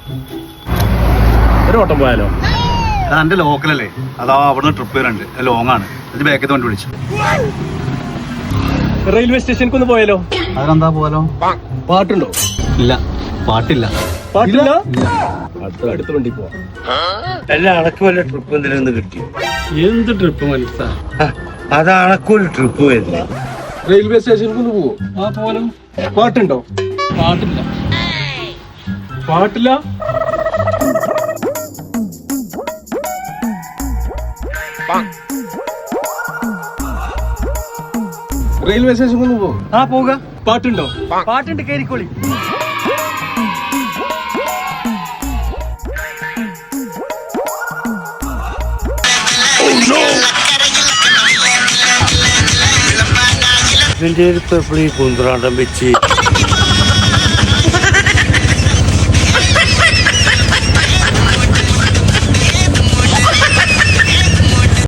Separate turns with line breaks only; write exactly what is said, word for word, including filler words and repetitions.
ഒരു ഓട്ടം പോയാലോ?
എന്റെ ലോക്കലല്ലേ, അതാ അവിടുന്ന് ട്രിപ്പ് വരണ്ട്, ലോങ് ആണ്. ഇത് ബാക്കത്ത് വണ്ടി വിളിച്ചു.
റെയിൽവേ സ്റ്റേഷനിലേക്ക് ഒന്ന് പോയാലോ?
അതിനെന്താ പോലോ?
പാട്ടുണ്ടോ?
ഇല്ല, പാട്ടില്ല.
പാട്ടില്ല? അടുത്ത അടുത്ത വണ്ടി പോവാം.
അല്ല, അണക്ക് വല്ല ട്രിപ്പ് എന്തിനൊന്ന് കിട്ടി?
എന്ത് ട്രിപ്പ് മനസ്സാ?
അത് അണക്കൊരു ട്രിപ്പ് വരുന്നു.
റെയിൽവേ സ്റ്റേഷനിലേക്ക് ഒന്ന് പോവോ? ആ പോലോ. പാട്ടുണ്ടോ? പാട്ടില്ല. പാട്ടില്ല? റെയിൽവേ സ്റ്റേഷനിലേക്ക് ഒന്ന് പോവോ?
ആ പോക.
പാട്ടുണ്ടോ?
പാട്ടുണ്ട്, കേറിക്കോളി. ഇതിന്റെ ഒരു പെപ്പിളി കുന്ത്രാണ്ടം വെച്ച്